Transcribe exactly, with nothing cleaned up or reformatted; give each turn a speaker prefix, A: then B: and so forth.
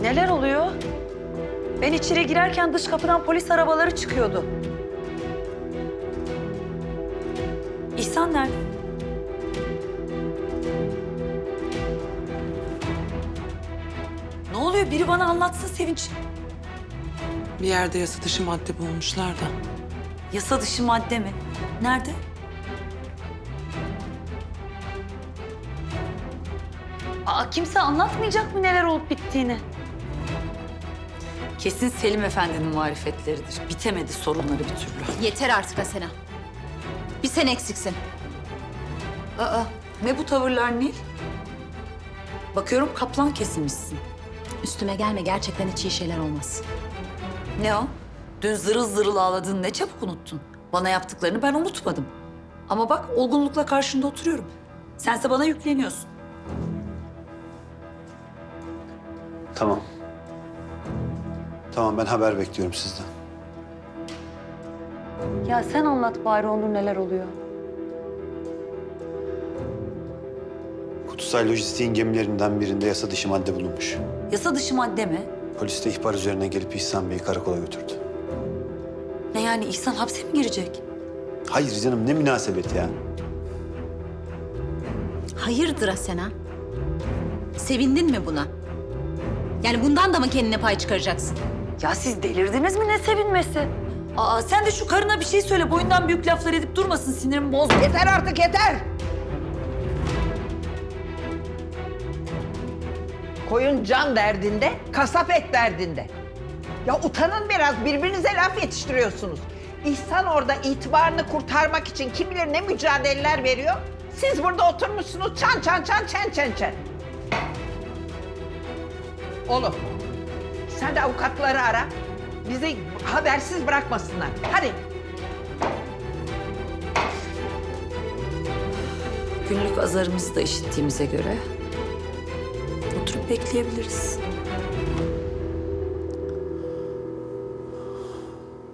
A: Neler oluyor? Ben içeri girerken dış kapıdan polis arabaları çıkıyordu. İhsan nerede? Ne oluyor? Biri bana anlatsın Sevinç.
B: Bir yerde yasa dışı madde bulmuşlar da.
A: Yasa dışı madde mi? Nerede? Aa, kimse anlatmayacak mı neler olup bittiğini? Kesin Selim Efendi'nin marifetleridir. Bitemedi sorunları bir türlü.
C: Yeter artık Asena. Bir sen eksiksin.
A: Aa, ne bu tavırlar Nil? Bakıyorum kaplan kesilmişsin.
C: Üstüme gelme, gerçekten hiç iyi şeyler olmaz.
A: Ne o? Dün zırıl zırıl ağladın, ne çabuk unuttun. Bana yaptıklarını ben unutmadım. Ama bak olgunlukla karşında oturuyorum. Sense bana yükleniyorsun.
D: Tamam. Tamam, ben haber bekliyorum sizden.
A: Ya sen anlat bari Onur neler oluyor.
D: Kutusay Lojistik'in gemilerinden birinde yasa dışı madde bulunmuş.
A: Yasa dışı madde mi?
D: Polis de ihbar üzerine gelip İhsan Bey'i karakola götürdü.
A: Ne yani İhsan hapse mi girecek?
D: Hayır canım, ne münasebet ya.
C: Hayırdır Asena? Sevindin mi buna? Yani bundan da mı kendine pay çıkaracaksın?
A: Ya siz delirdiniz mi, ne sevinmesi? Aa sen de şu karına bir şey söyle, boyundan büyük laflar edip durmasın, sinirimi bozma.
E: Yeter artık yeter. Koyun can derdinde, kasap et derdinde. Ya utanın biraz, birbirinize laf yetiştiriyorsunuz. İhsan orada itibarını kurtarmak için kim bilir ne mücadeleler veriyor. Siz burada oturmuşsunuz çan çan çan çen çen çen. Oğlum, sen de avukatları ara. Bizi habersiz bırakmasınlar. Hadi.
A: Günlük azarımızı da işittiğimize göre oturup bekleyebiliriz.